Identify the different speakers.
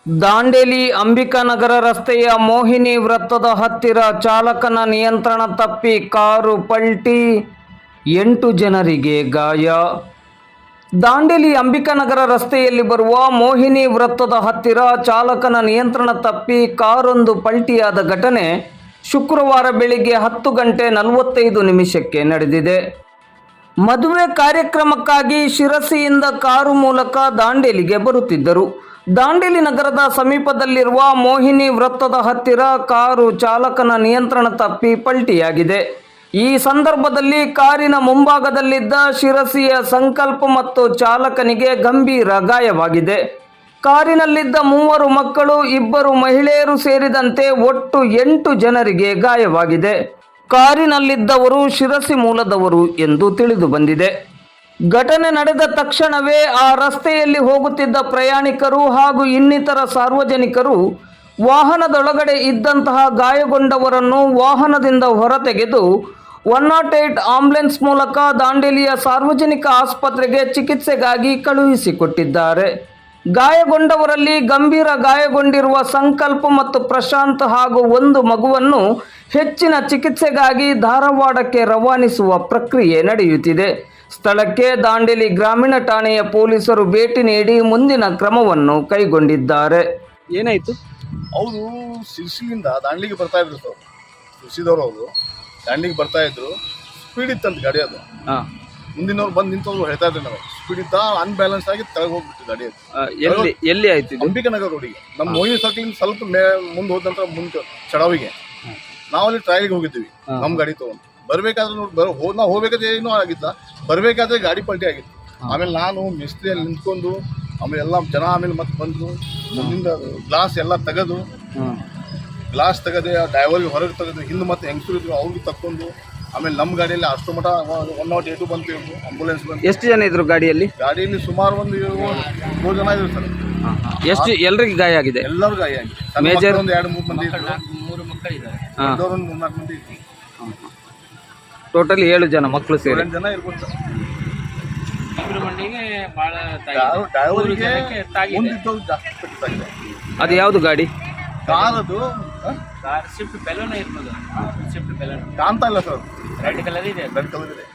Speaker 1: ದಾಂಡೇಲಿ ಅಂಬಿಕಾನಗರ ರಸ್ತೆಯ ಮೋಹಿನಿ ವೃತ್ತದ ಹತ್ತಿರ ಚಾಲಕನ ನಿಯಂತ್ರಣ ತಪ್ಪಿ ಕಾರು ಪಲ್ಟಿ, 8 ಜನರಿಗೆ ಗಾಯ. ದಾಂಡೇಲಿ ಅಂಬಿಕಾನಗರ ರಸ್ತೆಯಲ್ಲಿ ಬರುವ ಮೋಹಿನಿ ವೃತ್ತದ ಹತ್ತಿರ ಚಾಲಕನ ನಿಯಂತ್ರಣ ತಪ್ಪಿ ಕಾರೊಂದು ಪಲ್ಟಿಯಾದ ಘಟನೆ ಶುಕ್ರವಾರ ಬೆಳಿಗ್ಗೆ 10:45 ನಡೆದಿದೆ. ಮದುವೆ ಕಾರ್ಯಕ್ರಮಕ್ಕಾಗಿ ಶಿರಸಿಯಿಂದ ಕಾರು ಮೂಲಕ ದಾಂಡೇಲಿಗೆ ಬರುತ್ತಿದ್ದರು. ದಾಂಡೇಲಿ ನಗರದ ಸಮೀಪದಲ್ಲಿರುವ ಮೋಹಿನಿ ವೃತ್ತದ ಹತ್ತಿರ ಕಾರು ಚಾಲಕನ ನಿಯಂತ್ರಣ ತಪ್ಪಿ ಪಲ್ಟಿಯಾಗಿದೆ. ಈ ಸಂದರ್ಭದಲ್ಲಿ ಕಾರಿನ ಮುಂಭಾಗದಲ್ಲಿದ್ದ ಶಿರಸಿಯ ಸಂಕಲ್ಪ ಮತ್ತು ಚಾಲಕನಿಗೆ ಗಂಭೀರ ಗಾಯವಾಗಿದೆ. ಕಾರಿನಲ್ಲಿದ್ದ 3 ಮಕ್ಕಳು, 2 ಮಹಿಳೆಯರು ಸೇರಿದಂತೆ ಒಟ್ಟು 8 ಜನರಿಗೆ ಗಾಯವಾಗಿದೆ. ಕಾರಿನಲ್ಲಿದ್ದವರು ಶಿರಸಿ ಮೂಲದವರು ಎಂದು ತಿಳಿದು ಬಂದಿದೆ. ಘಟನೆ ನಡೆದ ತಕ್ಷಣವೇ ಆ ರಸ್ತೆಯಲ್ಲಿ ಹೋಗುತ್ತಿದ್ದ ಪ್ರಯಾಣಿಕರು ಹಾಗೂ ಇನ್ನಿತರ ಸಾರ್ವಜನಿಕರು ವಾಹನದೊಳಗಡೆ ಇದ್ದಂತಹ ಗಾಯಗೊಂಡವರನ್ನು ವಾಹನದಿಂದ ಹೊರತೆಗೆದು 108 ಆಂಬ್ಯುಲೆನ್ಸ್ ಮೂಲಕ ದಾಂಡೇಲಿಯ ಸಾರ್ವಜನಿಕ ಆಸ್ಪತ್ರೆಗೆ ಚಿಕಿತ್ಸೆಗಾಗಿ ಕಳುಹಿಸಿಕೊಟ್ಟಿದ್ದಾರೆ. ಗಾಯಗೊಂಡವರಲ್ಲಿ ಗಂಭೀರ ಗಾಯಗೊಂಡಿರುವ ಸಂಕಲ್ಪ ಮತ್ತು ಪ್ರಶಾಂತ್ ಹಾಗೂ 1 ಮಗುವನ್ನು ಹೆಚ್ಚಿನ ಚಿಕಿತ್ಸೆಗಾಗಿ ಧಾರವಾಡಕ್ಕೆ ರವಾನಿಸುವ ಪ್ರಕ್ರಿಯೆ ನಡೆಯುತ್ತಿದೆ. ಸ್ಥಳಕ್ಕೆ ದಾಂಡೇಲಿ ಗ್ರಾಮೀಣ ಠಾಣೆಯ ಪೊಲೀಸರು ಭೇಟಿ ನೀಡಿ ಮುಂದಿನ ಕ್ರಮವನ್ನು ಕೈಗೊಂಡಿದ್ದಾರೆ.
Speaker 2: ಏನಾಯ್ತು?
Speaker 3: ಅವರು ಶಿರ್ಸಿಲಿಂದ ದಾಂಡೇಲಿಗೆ ಬರ್ತಾ ಇದ್ರು ಸರ್. ಶಿರ್ಸಿದವರು ಅವರು ದಾಂಡೇಲಿಗೆ ಬರ್ತಾ ಇದ್ರು. ಸ್ಪೀಡ್ ಇತ್ತಂತ ಗಾಡಿ ಅದು. ಮುಂದಿನವ್ರು ಬಂದು ನಿಂತವ್ರು ಹೇಳ್ತಾ ಇದ್ರು, ನಾವು ಸ್ಪೀಡ್ ಇತ್ತ, ಅನ್ಬ್ಯಾಲೆನ್ಸ್ ಆಗಿ ತೆಳಗೆ ಹೋಗ್ಬಿಟ್ಟು ಗಾಡಿ ಅದು.
Speaker 1: ಎಲ್ಲಿ ಆಯ್ತು?
Speaker 3: ಅಂಬಿಕಾನಗರ ರೋಡಿಗೆ, ನಮ್ಮ ಮೋಹಿನಿ ಸರ್ಕಲ್ ಸ್ವಲ್ಪ ಮುಂದೆ ಹೋದ ನಂತರ ಮುಂದೆ ಚಡಾವಿಗೆ ನಾವಲ್ಲಿ ಟ್ರಯಲ್ಗೆ ಹೋಗಿದ್ದೀವಿ ನಮ್ಮ ಗಾಡಿ ತಗೊಂಡು. ಬರ್ಬೇಕಾದ್ರೆ ನೋಡಿ ನಾವು ಹೋಗ್ಬೇಕಾದ್ರೆ ಏನೂ ಆಗಿಲ್ಲ, ಬರಬೇಕಾದ್ರೆ ಗಾಡಿ ಪಲ್ಟಿ ಆಗಿತ್ತು. ಆಮೇಲೆ ನಾನು ಮಿಸ್ತ್ರಿಯಲ್ಲಿ ನಿಂತ್ಕೊಂಡು ಆಮೇಲೆ ಎಲ್ಲ ಜನ ಆಮೇಲೆ ಮತ್ತೆ ಬಂದು ಮುಂದಿಂದ ಗ್ಲಾಸ್ ಎಲ್ಲ ತೆಗೆದು ಡ್ರೈವರ್ಗೆ ಹೊರಗೆ ತೆಗೆದು ಹಿಂದೆ ಮತ್ತೆ ಹೆಂಗಸರು ಇದ್ರು ಅವ್ರಿಗೆ ತಕ್ಕೊಂಡು ಆಮೇಲೆ ನಮ್ಮ ಗಾಡಿಯಲ್ಲಿ ಅಷ್ಟು ಮಠ 108 ಬಂತು, ಆಂಬುಲೆನ್ಸ್ ಬಂತು.
Speaker 1: ಎಷ್ಟು ಜನ ಇದ್ರು ಗಾಡಿಯಲ್ಲಿ?
Speaker 3: ಗಾಡಿಯಲ್ಲಿ ಸುಮಾರು ಒಂದು 7 ಜನ ಇದ್ರು ಸರ್.
Speaker 1: ಎಷ್ಟು ಎಲ್ರಿಗೆ ಗಾಯ ಆಗಿದೆ?
Speaker 3: ಎಲ್ಲರೂ ಗಾಯ ಆಗಿದೆ. ಮೇಜರ್ ಒಂದು 2-3 ಮಂದಿ ಇದ್ರು, 3 ಮಕ್ಕಳಿದ್ದಾರೆ, ದೊಡ್ಡವರು 3-4 ಮಂದಿ ಇದ್ರು.
Speaker 1: ಟೋಟಲಿ 7 ಜನ ಮಕ್ಕಳು ಸೇರಿ
Speaker 3: 8 ಜನ ಇರ್ಬೋದು ಸರ್.
Speaker 2: ಡ್ರೈವರಿಗೆ
Speaker 3: ಜಾಸ್ತಿ ಪೆಟ್ಟಾಗಿದೆ.
Speaker 1: ಅದು ಯಾವುದು ಗಾಡಿ?
Speaker 3: ಕಾರದು
Speaker 2: ಸ್ವಿಫ್ಟ್ ಬೆಲೂನ್ ಇರ್ಬೋದು. ಸ್ವಿಫ್ಟ್ ಬೆಲೂನ್
Speaker 3: ಕಾಣ್ತಾ ಇಲ್ಲ ಸರ್,
Speaker 2: ರೆಡ್ ಕಲರ್ ಇದೆ.
Speaker 3: ರೆಡ್ ಕಲರ್ ಇದೆ.